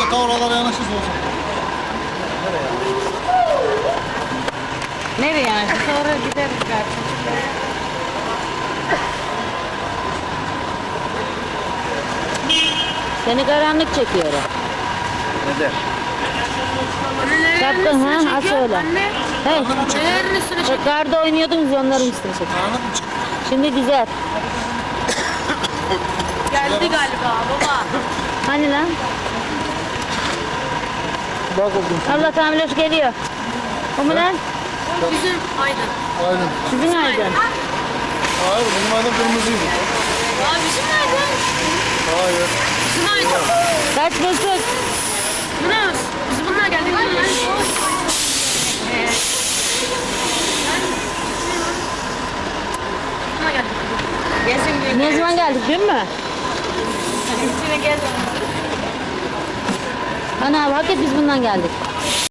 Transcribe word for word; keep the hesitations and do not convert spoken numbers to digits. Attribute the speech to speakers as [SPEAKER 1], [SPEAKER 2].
[SPEAKER 1] Ta oralara yanaşırız o zaman.
[SPEAKER 2] Nereye yani? Sonra gideriz gerçi.
[SPEAKER 3] Seni karanlık çekiyor.
[SPEAKER 1] Neden?
[SPEAKER 3] Şapkın ha? Aç öyle. Hey.
[SPEAKER 2] Nelerin üstüne çek.
[SPEAKER 3] Karda oynuyordunuz ya, onların üstüne çek.
[SPEAKER 1] Karanlık mı çıktı?
[SPEAKER 3] Şimdi güzel.
[SPEAKER 2] Geldi galiba baba.
[SPEAKER 3] Hani lan?
[SPEAKER 1] Bak oldum.
[SPEAKER 3] Allah tamirler geliyor. O mu lan?
[SPEAKER 2] Bizim Aydın.
[SPEAKER 1] Aynen.
[SPEAKER 3] Sizin aydın.
[SPEAKER 1] Hayır benim adım kırmızıydı.
[SPEAKER 2] Aa bizim Aydın.
[SPEAKER 1] Hayır.
[SPEAKER 2] Bizim Aydın.
[SPEAKER 3] Kaç buçuk?
[SPEAKER 2] Bu ne? Biz bunlar geldik. Bunlar geldik. Gezin
[SPEAKER 3] Ne zaman geldik, dün mü?
[SPEAKER 2] İçine gel.
[SPEAKER 3] Ana, hakikaten biz bundan geldik.